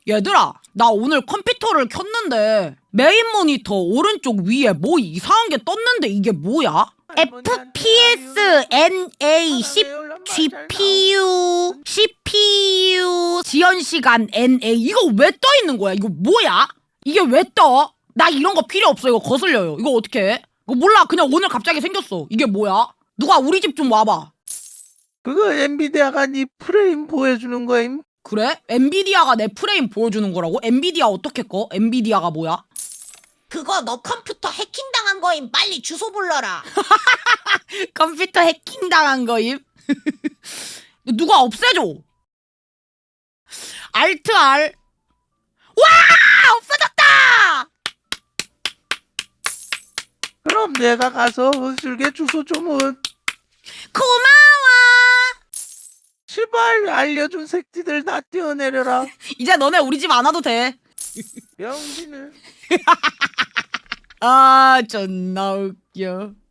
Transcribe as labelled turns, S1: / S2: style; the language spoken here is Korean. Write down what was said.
S1: 얘들아, 나 오늘 컴퓨터를 켰는데 메인 모니터 오른쪽 위에 뭐 이상한 게 떴는데 이게 뭐야? FPS NA10 CPU 지연 시간 NA 이거 왜 떠 있는 거야? 이거 뭐야? 이게 왜 떠? 나 이런 거 필요 없어. 이거 거슬려요. 이거 어떻게 해? 이거 몰라. 그냥 오늘 갑자기 생겼어. 이게 뭐야? 누가 우리 집 좀 와봐.
S2: 그거 엔비디아가 네 프레임 보여주는 거임.
S1: 그래? 엔비디아가 내 프레임 보여주는 거라고? 엔비디아 어떻게 꺼? 엔비디아가 뭐야?
S3: 그거 너 컴퓨터 해킹당한 거임. 빨리 주소 불러라.
S1: 컴퓨터 해킹 당한 거임? 누가 없애줘. 알트 R. 와! 없어졌다!
S2: 그럼 내가 가서 허술게 주소 좀은.
S1: 고마워!
S2: 제발 알려준 새끼들 다 뛰어내려라.
S1: 이제 너네 우리 집 안 와도 돼.
S2: 병신을.
S1: 아, 존나 웃겨.